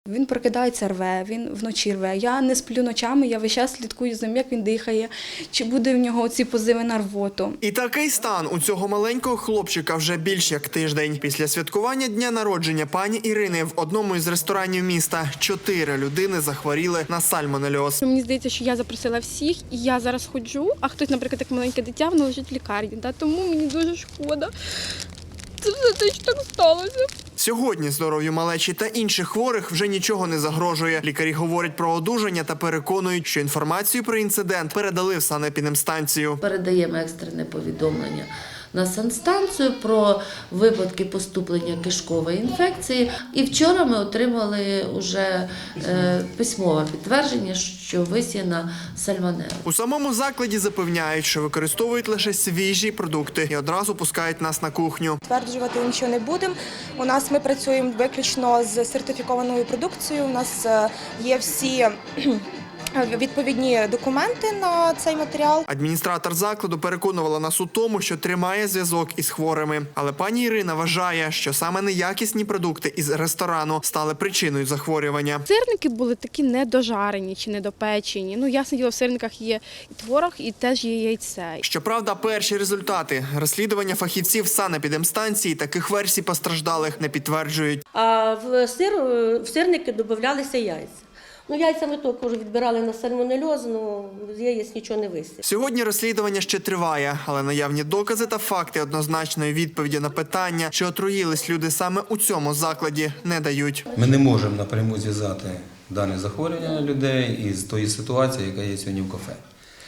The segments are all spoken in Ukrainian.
Він прокидається, рве, він вночі рве. Я не сплю ночами, я весь час слідкую за ним, як він дихає, чи буде в нього ці позиви на рвоту. І такий стан у цього маленького хлопчика вже більш як тиждень. Після святкування дня народження пані Ірини в одному із ресторанів міста 4 людини захворіли на сальмонельоз. Мені здається, що я запросила всіх, і я зараз ходжу, а хтось, наприклад, як маленьке дитя, воно лежить в лікарні. Тому мені дуже шкода. Це все те, що так сталося. Сьогодні здоров'ю малечі та інших хворих вже нічого не загрожує. Лікарі говорять про одужання та переконують, що інформацію про інцидент передали в санепідемстанцію. Передаємо екстрене повідомлення на санстанцію про випадки поступлення кишкової інфекції. І вчора ми отримали вже письмове підтвердження, що висіяна сальмонелла. У самому закладі запевняють, що використовують лише свіжі продукти і одразу пускають нас на кухню. Стверджувати нічого не будемо. Ми працюємо виключно з сертифікованою продукцією. У нас є всі відповідні документи на цей матеріал. Адміністратор закладу переконувала нас у тому, що тримає зв'язок із хворими. Але пані Ірина вважає, що саме неякісні продукти із ресторану стали причиною захворювання. Сирники були такі недожарені чи недопечені. Ясне діло, в сирниках є і творог, і теж є яйце. Щоправда, перші результати розслідування фахівців санепідемстанції таких версій постраждалих не підтверджують. А в сирники додавалися яйця. Яйця ми також відбирали на сальмонельоз, з яєць нічого не висить. Сьогодні розслідування ще триває, але наявні докази та факти однозначної відповіді на питання, чи отруїлись люди саме у цьому закладі, не дають. Ми не можемо напряму зв'язати дане захворювання людей із тої ситуації, яка є сьогодні в кафе.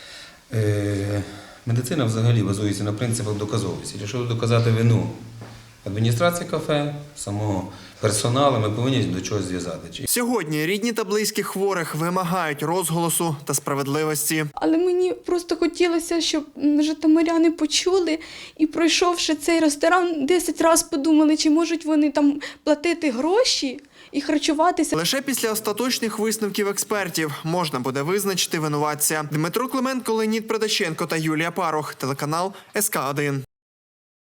Медицина взагалі базується на принципах доказовості. Якщо доказати вину адміністрації кафе, самого персоналу, ми повинні до чогось зв'язати. Сьогодні рідні та близькі хворих вимагають розголосу та справедливості. Але мені просто хотілося, щоб житомиряни почули і, пройшовши цей ресторан, 10 разів подумали, чи можуть вони там платити гроші і харчуватися. Лише після остаточних висновків експертів можна буде визначити винуватця. Дмитро Клименко, Леонід Предаченко та Юлія Парох. Телеканал СК1.